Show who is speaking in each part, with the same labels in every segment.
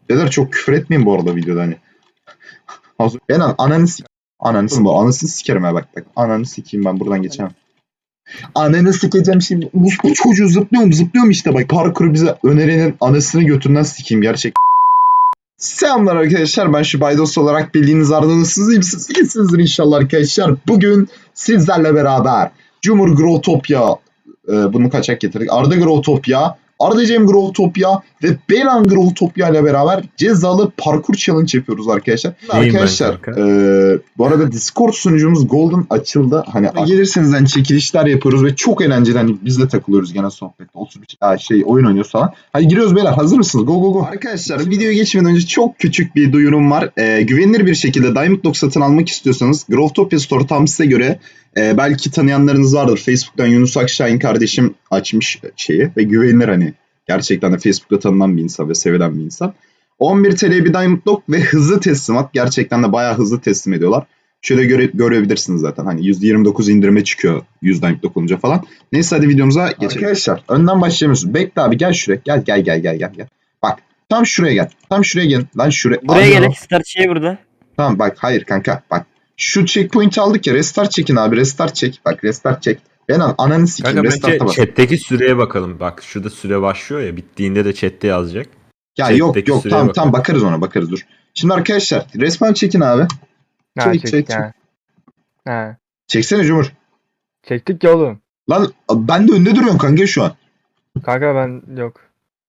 Speaker 1: Beyler çok küfür etmeyin bu arada videoda hani. Ben anasını sikerim ha bak. Ananı sikeyim ben buradan geçemem. Ananı sikeceğim şimdi. Bu çocuğu zıplıyorum işte bak. Parkuru bize önerenin anasını götünden sikeyim gerçek. Selamlar arkadaşlar, ben şu Baydos olarak bildiğiniz ardınızsızıyım. Siz iyisinizdir inşallah arkadaşlar. Bugün sizlerle beraber Cumhur Growtopia, bunu kaçak getirdik. Arda Growtopia, Arda Cem Growtopia ve Belan Growtopia ile beraber cezalı parkur challenge yapıyoruz arkadaşlar. Arkadaşlar bu arada Discord sunucumuz Golden açıldı. Hani gelirseniz hani çekilişler yapıyoruz ve çok eğlenceli, hani biz de takılıyoruz gene sohbette. Oyun oynuyoruz falan. Hadi giriyoruz beyler, hazır mısınız? Go go go. Arkadaşlar videoya geçmeden önce çok küçük bir duyurum var. Güvenilir bir şekilde Diamond Dog satın almak istiyorsanız Growtopia Store tam size göre. Belki tanıyanlarınız vardır. Facebook'tan Yunus Akşahin kardeşim açmış şeyi ve güvenilir, hani gerçekten de Facebook'ta tanınan bir insan ve sevilen bir insan. 11 TL'ye bir Diamond Dog ve hızlı teslimat. Gerçekten de bayağı hızlı teslim ediyorlar. Şöyle görebilirsiniz zaten. Hani %29 indirime çıkıyor 100 Diamond Dog olunca falan. Neyse hadi videomuza geçelim. Arkadaşlar önden başlayamıyorsunuz. Bekle abi, gel şuraya. Gel. Bak tam şuraya gel. Tam şuraya gel. Lan şuraya.
Speaker 2: Buraya gelek. Start şey burada.
Speaker 1: Tamam bak, hayır kanka bak. Şu checkpoint aldık ya, restart çekin abi, restart çek. Bak restart çek. Ben ananı sikeyim,
Speaker 3: Kanka
Speaker 1: restart'a bas.
Speaker 3: chat'teki süreye bakalım. Bak şurada süre başlıyor ya, bittiğinde de chat'te yazacak.
Speaker 1: Ya
Speaker 3: Chat'teki
Speaker 1: yok
Speaker 3: süreye
Speaker 1: tamam bakarız ona, dur. Şimdi arkadaşlar resmen çekin abi. Çek.
Speaker 4: Ha.
Speaker 1: Çeksene Cumhur.
Speaker 4: Çektik ya oğlum.
Speaker 1: Lan ben de önde duruyorum kanka şu an.
Speaker 4: Kanka ben yok.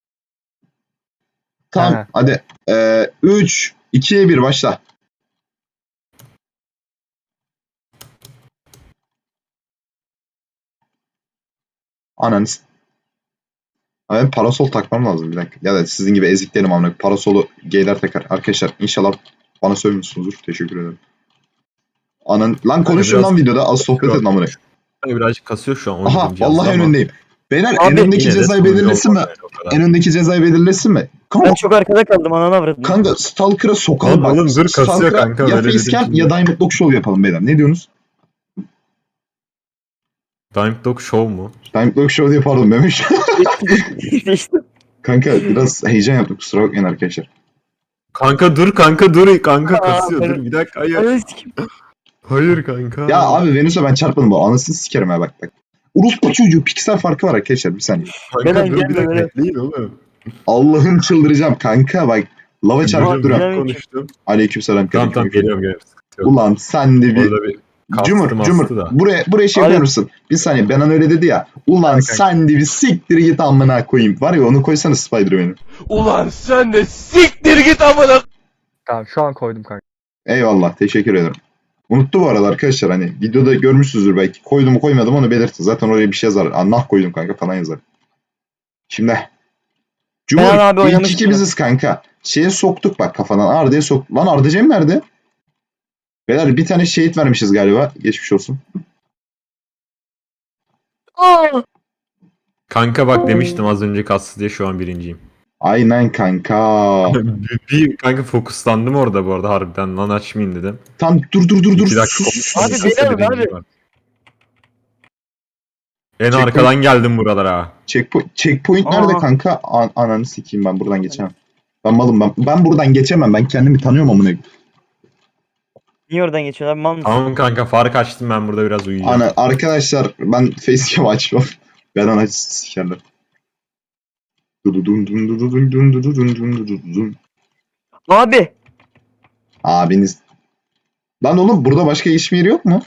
Speaker 1: Tamam
Speaker 4: Ha.
Speaker 1: hadi. 3, 2, 1 başla. Ananı ben parasol takmam lazım bir dakika. Ya da sizin gibi eziklerim amına. Parasolu geyler takar. Arkadaşlar inşallah bana sövmüşsünüzdür. Teşekkür ederim. Lan konuşun lan videoda. Az sohbet edin amına.
Speaker 3: Birazcık kasıyor şu an.
Speaker 1: Aha vallahi önündeyim. Beyler
Speaker 2: Abi,
Speaker 1: en öndeki cezayı belirlesin mi? En öndeki cezayı belirlesin mi?
Speaker 2: Ben çok arkada kaldım, ananı avradım.
Speaker 1: Kanka Stalker'a sokalım bak.
Speaker 3: Oğlum dur, kasıyor
Speaker 1: Stalker'a
Speaker 3: kanka,
Speaker 1: ya
Speaker 3: böyle
Speaker 1: facecam
Speaker 3: dedim
Speaker 1: ya
Speaker 3: şimdi.
Speaker 1: Diamond Dog Show yapalım beyler. Ne diyorsunuz?
Speaker 3: Diamond Dog Show mu?
Speaker 1: Diamond Dog Show diye pardon demiş.
Speaker 2: İşte.
Speaker 1: Kanka biraz heyecan yaptık, kusura bakmayın arkadaşlar.
Speaker 3: Kanka dur. Kanka kasıyor. Dur bir dakika. Hayır.
Speaker 2: Ananı sikeyim.
Speaker 3: Hayır kanka.
Speaker 1: Ya abi Venüs'e ben çarpmadım bu. Anasını sikerim ha bak. Uruspa çocuğu piksel farkı var arkadaşlar, bir saniye.
Speaker 3: Kanka
Speaker 2: Ben
Speaker 3: dur bir dakika.
Speaker 2: geldim,
Speaker 3: Bekleyin oğlum.
Speaker 1: Allah'ım çıldıracağım kanka bak. Lava çarpıp
Speaker 2: Abi,
Speaker 1: duruyorum.
Speaker 2: ben-
Speaker 3: Konuştum.
Speaker 1: Aleykümselam
Speaker 3: Tamam
Speaker 1: kanka.
Speaker 3: geliyorum. Sıkıntı yok.
Speaker 1: Ulan sen de bir...
Speaker 3: Orada bir
Speaker 1: Cumhur
Speaker 3: da.
Speaker 1: buraya şey
Speaker 2: Abi-
Speaker 1: yapar mısın? Bir saniye, Benan öyle dedi ya. Ulan
Speaker 4: Kanka.
Speaker 1: sen de bir siktir git amına koyayım. Var ya, onu koysana Spider-Man'i.
Speaker 5: Ulan sen de siktir git amına.
Speaker 4: Tamam şu an koydum kanka.
Speaker 1: Eyvallah, teşekkür ederim. Unuttu bu arada arkadaşlar, hani videoda görmüşsünüzdür belki. Koydum mu koymadım onu belirtin. Zaten oraya bir şey yazar. Allah koydum kanka falan yazar. Şimdi. Cumhur
Speaker 2: Ben abi
Speaker 1: ilk
Speaker 2: oynamıştım.
Speaker 1: iki biziz kanka. Şeye soktuk bak kafadan. Arda'ya sok. Lan Arda Cem nerede? Beyler bir tane şehit vermişiz galiba. Geçmiş olsun.
Speaker 2: Aa!
Speaker 3: Kanka bak demiştim az önce kastı diye, şu an birinciyim.
Speaker 1: Aynen kanka.
Speaker 3: Bir kanka fokuslandım orada bu arada harbiden, lan açmayayım dedim.
Speaker 1: Tam dur.
Speaker 3: 2 dakika
Speaker 1: Sus.
Speaker 2: Abi,
Speaker 3: konuştum.
Speaker 2: beni alın abi.
Speaker 3: En
Speaker 1: Checkpoint-
Speaker 3: arkadan geldim buralara.
Speaker 1: Checkpoint nerede
Speaker 2: Aa.
Speaker 1: kanka? Ananı sikeyim, ben buradan geçemem. Ben malım. Ben buradan geçemem. Ben kendimi tanıyorum amına.
Speaker 2: Niye oradan geçiyorsun abi, mal mısın?
Speaker 3: Tamam kanka, fark açtım, ben burada biraz uyuyacağım.
Speaker 1: Arkadaşlar ben facecam açmam. Ben ana sikerler.
Speaker 2: Abi.
Speaker 1: Abiniz. Lan oğlum burada başka iş yeri yok mu?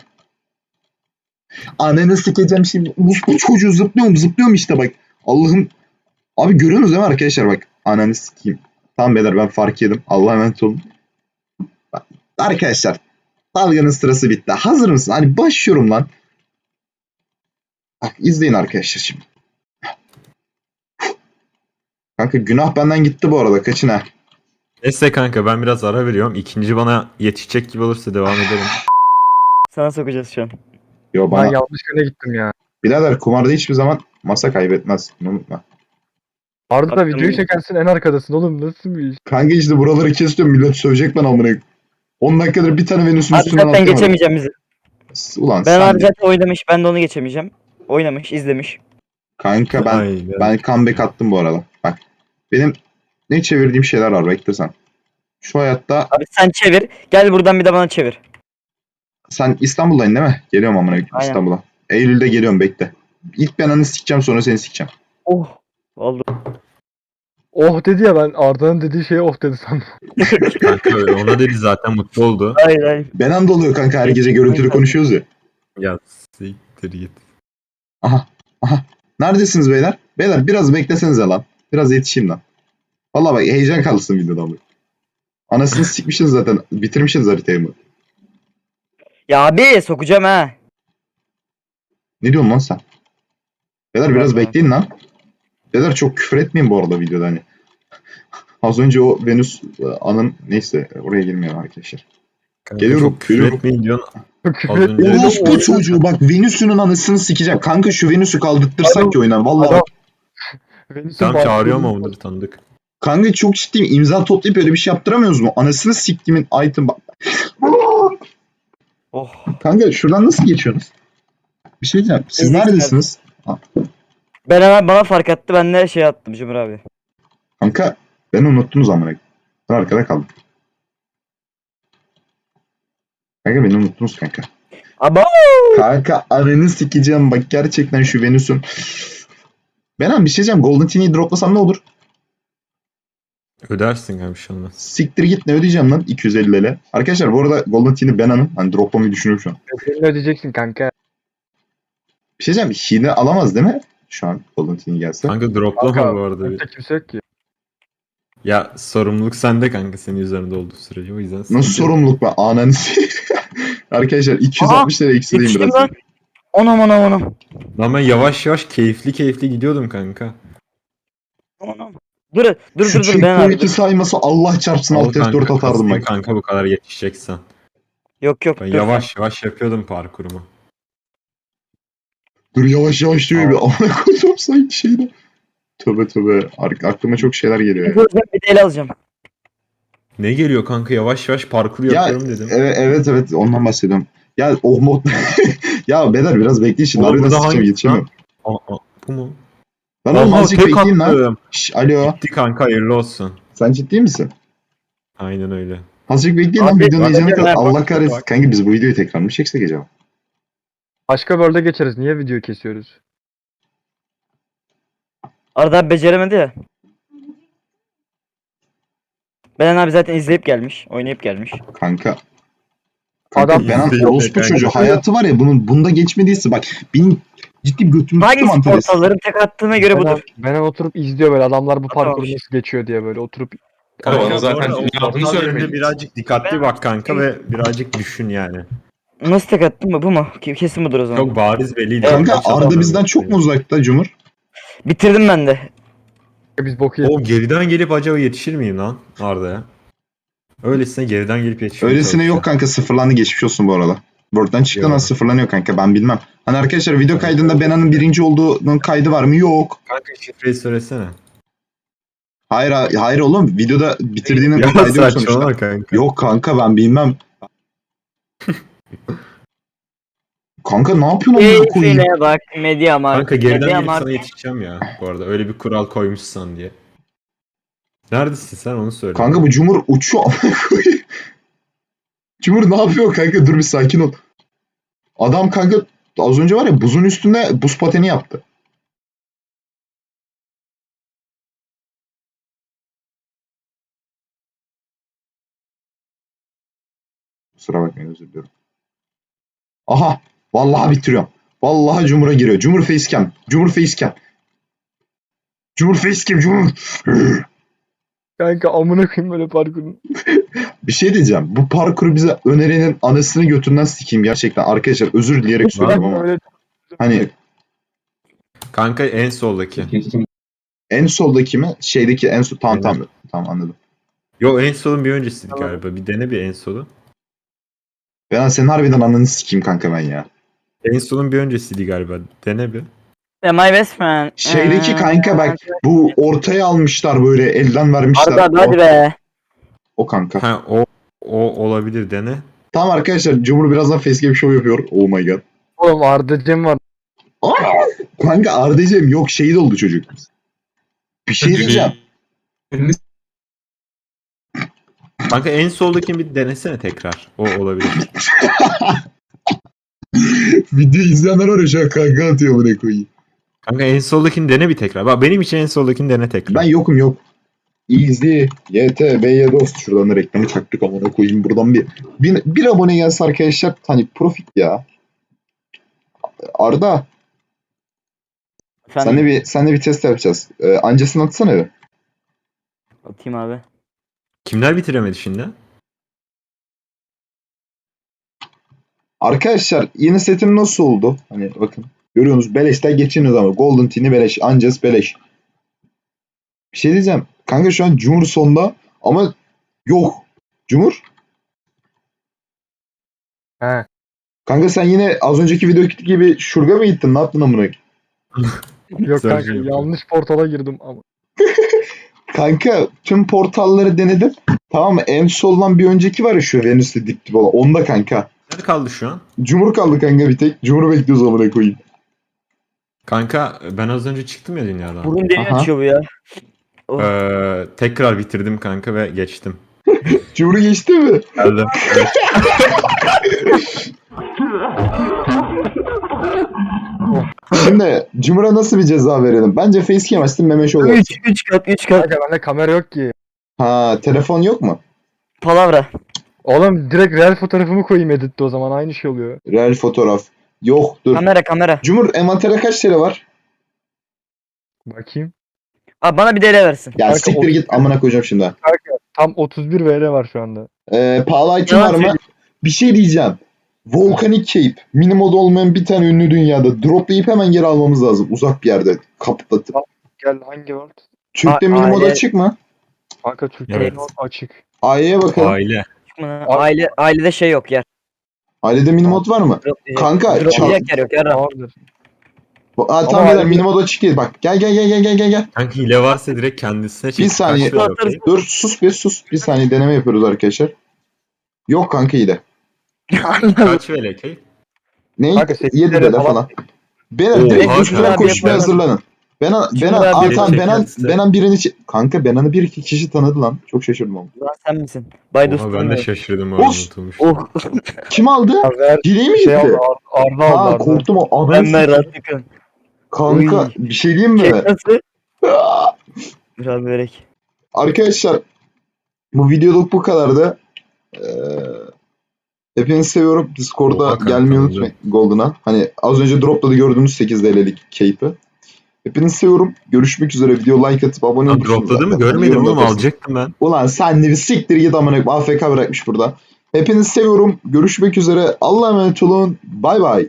Speaker 1: Ananı sikeceğim şimdi. Bu çocuğu zıplıyorum işte bak. Allah'ım. Abi görüyorsunuz değil mi arkadaşlar bak. Ananı sikeyim. Tamam beyler, ben fark yedim. Allah'a emanet olun. Bak, arkadaşlar. Dalganın sırası bitti. Hazır mısın? Hani başlıyorum lan. Bak izleyin arkadaşlar şimdi. Kanka günah benden gitti bu arada. Kaçın ha.
Speaker 3: Neyse kanka, ben biraz ara veriyorum. İkinci bana yetişecek gibi olursa devam edelim.
Speaker 2: Sana sokacağız şu an.
Speaker 1: Yo
Speaker 4: Ben
Speaker 1: bana.
Speaker 4: yanlış yöne gittim ya.
Speaker 1: Birader kumarda hiçbir zaman masa kaybetmez. Bunu unutma.
Speaker 4: Arda
Speaker 2: Aklım
Speaker 4: videoyu
Speaker 2: yok.
Speaker 4: çekersin en arkadasın oğlum, nasıl bir iş?
Speaker 1: Kanka işte buraları kesiyorum. Millet sövecek bana amına. 10 dakikadır bir tane Venüs'ün
Speaker 2: Abi
Speaker 1: üstünden
Speaker 2: zaten
Speaker 1: atlamadım.
Speaker 2: geçemeyeceğim bizi.
Speaker 1: Ulan
Speaker 2: Ben
Speaker 1: sen
Speaker 2: abi
Speaker 1: de.
Speaker 2: zaten oynamış, ben de onu geçemeyeceğim. Oynamış, izlemiş.
Speaker 1: Kanka
Speaker 3: Aynen.
Speaker 1: ben comeback attım bu arada. Bak. Benim ne çevirdiğim şeyler var bekle sen. Şu hayatta
Speaker 2: Abi sen çevir. Gel buradan bir de bana çevir.
Speaker 1: sen İstanbul'dayın değil mi? Geliyorum amına koyayım
Speaker 2: Aynen.
Speaker 1: İstanbul'a. Eylül'de geliyorum bekle. İlk ben ananı sikeceğim sonra seni sikeceğim.
Speaker 2: Oh. Oldu.
Speaker 4: Oh dedi ya, ben Arda'nın dediği şeye oh dedi sandım.
Speaker 3: Kanka ona dedi zaten mutlu oldu.
Speaker 2: Hayır hayır.
Speaker 1: Benan da oluyor kanka her gece görüntülü konuşuyoruz ya.
Speaker 3: Ya siktir git.
Speaker 1: Aha. Aha. Neredesiniz beyler? Beyler biraz beklesenize lan. Biraz yetişeyim lan. Vallahi bak heyecan kalsın videodan bu. Anasını sikmişsiniz zaten. Bitirmişsiniz haritayı mı?
Speaker 2: Ya abi sokacağım ha.
Speaker 1: Ne diyorsun lan sen? Beyler biraz
Speaker 2: Vallahi.
Speaker 1: bekleyin lan. Beyler çok küfür etmeyin bu arada videoda hani. Az önce o Venüs anın neyse oraya girmiyorum arkadaşlar.
Speaker 3: Kanka
Speaker 1: Geliyorum,
Speaker 3: çok küfür
Speaker 1: geliyorum.
Speaker 3: etmeyin diyorsun.
Speaker 4: Küfür
Speaker 3: Az önce-
Speaker 4: etmeyin.
Speaker 1: Orospu çocuğu bak Venüs'ünün anasını sikeceğim. Kanka şu Venüs'ü kaldırtırsak ki oynan. Vallahi
Speaker 4: Adam-
Speaker 1: bak.
Speaker 4: Venüs'ün
Speaker 3: Tam
Speaker 4: bahçesi-
Speaker 3: çağırıyor mu onları tanıdık.
Speaker 1: Kanka çok ciddiyim. İmza toplayıp öyle bir şey yaptıramıyoruz mu? Anasını siktimin item bak.
Speaker 2: Oh.
Speaker 1: Kanka şuradan nasıl geçiyorsunuz? Bir şey diyeceğim. Siz
Speaker 2: Ezikler.
Speaker 1: neredesiniz?
Speaker 2: Ben hemen bana fark attı. Ben de şey attım Cumhur abi.
Speaker 1: Kanka beni unuttunuz amına. Ben arkada kaldım. Kanka beni unuttunuz kanka.
Speaker 2: Aba.
Speaker 1: Kanka ananı sikeceğim bak gerçekten şu Venüs'ün. Benan bir şey diyeceğim. Golden Teen'i droplasam ne olur?
Speaker 3: Ödersin kanka bir şey olmaz.
Speaker 1: Siktir git ne ödeyeceğim lan 250 lira. Arkadaşlar bu arada Golden Teen'i Benan'ın hani droplamayı düşünüyorum şu an.
Speaker 4: Bedelini ödeyeceksin kanka.
Speaker 1: Bir şey diyeceğim. Hile alamaz değil mi? Şu an Golden Teen'i gelse.
Speaker 3: Kanka droplama
Speaker 4: Kanka,
Speaker 3: bu arada.
Speaker 4: Kimse kimse yok ki.
Speaker 3: Ya sorumluluk sende kanka senin üzerinde olduğu sürece o yüzden.
Speaker 1: Nasıl
Speaker 3: sıkıntı yok.
Speaker 1: sorumluluk be? Ananı Arkadaşlar 260 lira eksileyim
Speaker 2: Yetiştim
Speaker 1: biraz.
Speaker 2: lan. Onam onam onam.
Speaker 3: Lan ben yavaş yavaş keyifli gidiyordum kanka.
Speaker 2: Onam. Dur
Speaker 1: Şu
Speaker 2: ben abi.
Speaker 1: checkpoint'i sayması Allah çarpsın
Speaker 3: Al
Speaker 1: alt F4
Speaker 3: kanka,
Speaker 1: atardım
Speaker 3: kasayım
Speaker 1: bak.
Speaker 3: kanka bu kadar yetişeceksen.
Speaker 2: Yok
Speaker 3: Ben
Speaker 2: dur.
Speaker 3: yavaş yavaş yapıyordum parkurumu.
Speaker 1: Dur yavaş yavaş diyor bir amına koyduğum sanki şeyde. Tövbe tövbe. Aklıma çok şeyler geliyor ya.
Speaker 2: Bir de el alacağım.
Speaker 3: Ne geliyor kanka yavaş yavaş parkur
Speaker 1: Ya,
Speaker 3: yapıyorum dedim.
Speaker 1: Evet ondan bahsediyorum. Ya o mod... ya Beder biraz bekleyin şimdi.
Speaker 3: Oğlum,
Speaker 1: Harbiden
Speaker 3: bu da
Speaker 1: sıkacağım
Speaker 3: hangisi
Speaker 1: yetişemiyorum.
Speaker 3: Bu mu?
Speaker 1: Lan oğlum
Speaker 3: Aha,
Speaker 1: azıcık
Speaker 3: tek
Speaker 1: bekleyin lan.
Speaker 3: attım.
Speaker 1: Şş, alo.
Speaker 3: Gitti kanka hayırlı olsun.
Speaker 1: Sen ciddi misin?
Speaker 3: Aynen öyle.
Speaker 1: Azıcık bekleyin lan
Speaker 2: Abi,
Speaker 1: videonun
Speaker 2: bak,
Speaker 1: heyecanı
Speaker 2: bak,
Speaker 1: kadar.
Speaker 2: bak,
Speaker 1: Allah kahretsin. Kanka biz bu videoyu tekrar mı çeksek acaba?
Speaker 4: Başka bölde geçeriz. Niye video kesiyoruz?
Speaker 2: Arda abi beceremedi ya. Belen abi zaten izleyip gelmiş. Oynayıp gelmiş.
Speaker 1: Kanka.
Speaker 4: Adam-
Speaker 1: Benan
Speaker 3: İzleyin
Speaker 1: orospu
Speaker 3: kanka.
Speaker 1: çocuğu. Hayatı var ya bunda geçmediyse bak benim ciddi bir götümü tuttu
Speaker 2: Hangi
Speaker 1: mantaresi.
Speaker 2: portalların tek attığına göre budur.
Speaker 4: Ben oturup izliyor böyle adamlar bu
Speaker 2: Tamam.
Speaker 4: parkuru nasıl geçiyor diye böyle oturup.
Speaker 3: Kanka,
Speaker 6: Bana zaten
Speaker 3: bu arada
Speaker 6: ne
Speaker 3: o
Speaker 6: yaptığını
Speaker 3: portal
Speaker 6: söylemedin.
Speaker 3: yerine birazcık dikkatli bak kanka ve birazcık düşün yani.
Speaker 2: Nasıl tek attın mı? Bu mu? Kesin budur o zaman.
Speaker 3: Çok bariz belliydi.
Speaker 1: Kanka
Speaker 3: Kaç adam
Speaker 1: Arda bizden
Speaker 3: öldü
Speaker 1: çok mu
Speaker 3: yani.
Speaker 1: uzakta Cumhur?
Speaker 2: Bitirdim ben de.
Speaker 4: Biz boku yedik.
Speaker 3: O geriden gelip acaba yetişir miyim lan Arda'ya? Öylesine geriden gelip yetişmeye
Speaker 1: Öylesine yok
Speaker 3: çalışacağım.
Speaker 1: kanka sıfırlandı geçmiş olsun bu arada. Word'dan çıktı
Speaker 3: Yok.
Speaker 1: nasıl sıfırlanıyor kanka ben bilmem. Hani arkadaşlar video kaydında Benan'ın birinci olduğunun kaydı var mı? Yok.
Speaker 3: Kanka şifreyi söylesene.
Speaker 1: Hayır oğlum videoda bitirdiğinin
Speaker 3: Ya
Speaker 1: kaydı yok
Speaker 3: saçmalama
Speaker 1: sonuçta.
Speaker 3: kanka.
Speaker 1: Yok kanka ben bilmem. Kanka ne yapıyorsun amına koyayım?
Speaker 2: Keyfine bak Mediamarkt.
Speaker 3: Kanka geriden gelip
Speaker 2: Mediamarkt.
Speaker 3: sana yetişeceğim ya bu arada. Öyle bir kural koymuşsan diye. Neredesin sen onu söyle.
Speaker 1: Kanka bu Cumhur uçuyor amına koyayım. Cumhur ne yapıyor kanka dur bir sakin ol. Adam kanka az önce var ya buzun üstünde buz pateni yaptı. Kusura bakmayın özür diliyorum. Aha vallahi bitiriyorum. Vallahi Cumhur'a giriyor. Cumhur facecam. Cumhur facecam. Cumhur facecam. Cumhur.
Speaker 4: Kanka amına koyayım böyle parkurun.
Speaker 1: Bir şey diyeceğim. Bu parkuru bize önerenin anasını götünden sikeyim gerçekten. Arkadaşlar özür dileyerek söylüyorum ama.
Speaker 4: Öyle
Speaker 1: Hani
Speaker 3: Kanka en soldaki.
Speaker 1: en soldaki mi? Şeydeki en sol. Tamam anladım.
Speaker 3: Yo en solun bir öncesiydi galiba. Bir dene bir en solu.
Speaker 1: Ben senin harbiden ananı sikeyim kanka ben ya.
Speaker 3: En solun bir öncesiydi galiba. Dene bir.
Speaker 2: My best friend.
Speaker 1: Şeydeki kanka bak bu ortaya almışlar böyle elden vermişler.
Speaker 2: Arda abi hadi be.
Speaker 1: O kanka.
Speaker 3: Ha o olabilir dene.
Speaker 1: Tamam arkadaşlar Cumhur birazdan facecam show yapıyor. Oh my god.
Speaker 4: oğlum Arda'cım var.
Speaker 1: Kanka Arda'cığım yok şehit oldu çocuk. Bir şey diyeceğim.
Speaker 3: Kanka en soldakini bir denesene tekrar. O olabilir.
Speaker 1: Video izleyenler var ya şu an kanka atıyor buraya koyayım.
Speaker 3: Kanka en soldakini dene bir tekrar. Bak benim için en soldakini dene tekrar.
Speaker 1: Ben yokum yok. Easy. YTB'ye dost. Şuradan da reklamı çaktık amına koyayım. Buradan bir abone gelse arkadaşlar. Hani profit ya. Arda.
Speaker 2: Efendim,
Speaker 1: Senle bir test yapacağız. Ancasını atsana bir.
Speaker 2: atayım abi.
Speaker 3: Kimler bitiremedi şimdi?
Speaker 1: Arkadaşlar yeni setim nasıl oldu? Hani bakın. Görüyorsunuz beleşten geçiniyoruz ama. Golden Teen'i beleş. Ancas beleş. Bir şey diyeceğim. Kanka şu an Cumhur sonda ama yok. Cumhur.
Speaker 4: He.
Speaker 1: Kanka sen yine az önceki videodaki gibi şurga mı gittin? Ne yaptın amına?
Speaker 4: Yok kanka
Speaker 3: Sergio.
Speaker 4: yanlış portala girdim ama.
Speaker 1: Kanka tüm portalları denedim. Tamam mı? En soldan bir önceki var ya şu Venüs'te dip dip olan. Onda kanka.
Speaker 3: Nerede kaldı şu an?
Speaker 1: Cumhur kaldı kanka bir tek. Cumhur'u bekliyoruz amına koyayım.
Speaker 3: Kanka ben az önce çıktım ya dünyadan.
Speaker 2: Burun deli
Speaker 1: Aha.
Speaker 2: açıyor bu ya. Oh.
Speaker 3: Tekrar bitirdim kanka ve geçtim.
Speaker 1: Cumhur'u geçti mi?
Speaker 3: Geldim. Evet.
Speaker 1: Şimdi Cumhur'a nasıl bir ceza verelim? Bence facecam açtın meme show yap.
Speaker 2: 3 kat 3 kat.
Speaker 4: Kanka bende kamera yok ki.
Speaker 1: Ha telefon yok mu?
Speaker 2: Palavra.
Speaker 4: Oğlum direkt real fotoğrafımı koyayım editte o zaman aynı şey oluyor.
Speaker 1: Real fotoğraf. Yok dur.
Speaker 2: Kamera.
Speaker 1: Cumhur envantere kaç TL var?
Speaker 4: Bakayım.
Speaker 2: Abi bana bir DL versin.
Speaker 1: Ya
Speaker 4: Kanka,
Speaker 1: siktir git amına koyacağım şimdi. ha.
Speaker 4: Tam 31 VR var şu anda.
Speaker 1: Pahalı item
Speaker 2: Yalan
Speaker 1: var mı?
Speaker 2: söylüyorsun.
Speaker 1: Bir şey diyeceğim. Volcanic Cape. Minimod olmayan bir tane ünlü dünyada. Droplayıp hemen geri almamız lazım. Uzak bir yerde. Kaplatıp.
Speaker 4: Gel hangi world?
Speaker 1: Türk'te
Speaker 2: A-
Speaker 1: minimod
Speaker 2: aile-
Speaker 1: açık mı?
Speaker 4: Kanka Türkçe
Speaker 3: Evet.
Speaker 4: not açık.
Speaker 1: Aileye bakalım.
Speaker 3: Aile.
Speaker 2: Ailede şey yok yer.
Speaker 1: Ailede minimod var mı?
Speaker 2: Drop diyecek.
Speaker 1: Kanka
Speaker 2: Drop
Speaker 1: çal.
Speaker 2: diyecek yer yok yer.
Speaker 4: Vardır.
Speaker 1: Tamam
Speaker 4: Ama
Speaker 1: beyler
Speaker 4: aile-
Speaker 1: minimod açık değil. Bak gel.
Speaker 3: Kanka hile varsa direkt kendisine çek.
Speaker 1: Bir saniye.
Speaker 3: Kaç ver, okey?
Speaker 1: Dur sus. Bir saniye deneme yapıyoruz arkadaşlar. Yok kanka iyi de.
Speaker 3: Kaç ver, okey?
Speaker 1: Ne?
Speaker 4: Kanka, 8
Speaker 1: 7
Speaker 4: TL
Speaker 1: de
Speaker 4: falan.
Speaker 1: falan. Beyler
Speaker 3: Oha,
Speaker 1: direkt
Speaker 3: kanka.
Speaker 1: üstüne koşmaya
Speaker 2: Yapalım.
Speaker 1: hazırlanın. Benan,
Speaker 2: Şunu
Speaker 1: Benan,
Speaker 2: abi
Speaker 1: tamam
Speaker 3: yapalım.
Speaker 1: Benan birini kanka Benan'ı bir iki kişi tanıdı lan. Çok şaşırdım ama.
Speaker 2: Lan sen misin? Baydus.
Speaker 3: Oha, ben de şaşırdım.
Speaker 1: Of.
Speaker 3: Unutulmuş.
Speaker 2: Oh.
Speaker 1: Kim aldı?
Speaker 4: Ya ver
Speaker 1: Hileyi mi
Speaker 4: şey
Speaker 1: gitti?
Speaker 4: aldı Arda aldı
Speaker 1: Ha
Speaker 4: Arda.
Speaker 1: korktum o.
Speaker 2: Ben
Speaker 1: Ananı
Speaker 2: merak ettim.
Speaker 1: kanka
Speaker 2: Uy.
Speaker 1: bir şey diyeyim mi?
Speaker 2: Kek nasıl? Biraz börek.
Speaker 1: Arkadaşlar bu videoluk bu kadardı. Hepinizi seviyorum. Discord'a
Speaker 3: Oha kanka,
Speaker 1: gelmeyi
Speaker 3: öyle.
Speaker 1: unutmayın Golden'a. Hani az önce dropladı gördüğünüz 8 TL'lik keyfi. Hepinizi seviyorum. Görüşmek üzere. Video like atıp abone
Speaker 3: Lan
Speaker 1: olursunuz.
Speaker 3: dropladı mı?
Speaker 1: zaten.
Speaker 3: Görmedim
Speaker 1: Yorum
Speaker 3: oğlum,
Speaker 1: atarsınız.
Speaker 3: alacaktım ben.
Speaker 1: Ulan sen de bir siktir git amına koyayım. AFK bırakmış burada. Hepinizi seviyorum. Görüşmek üzere. Allah'a emanet olun. Bay bay.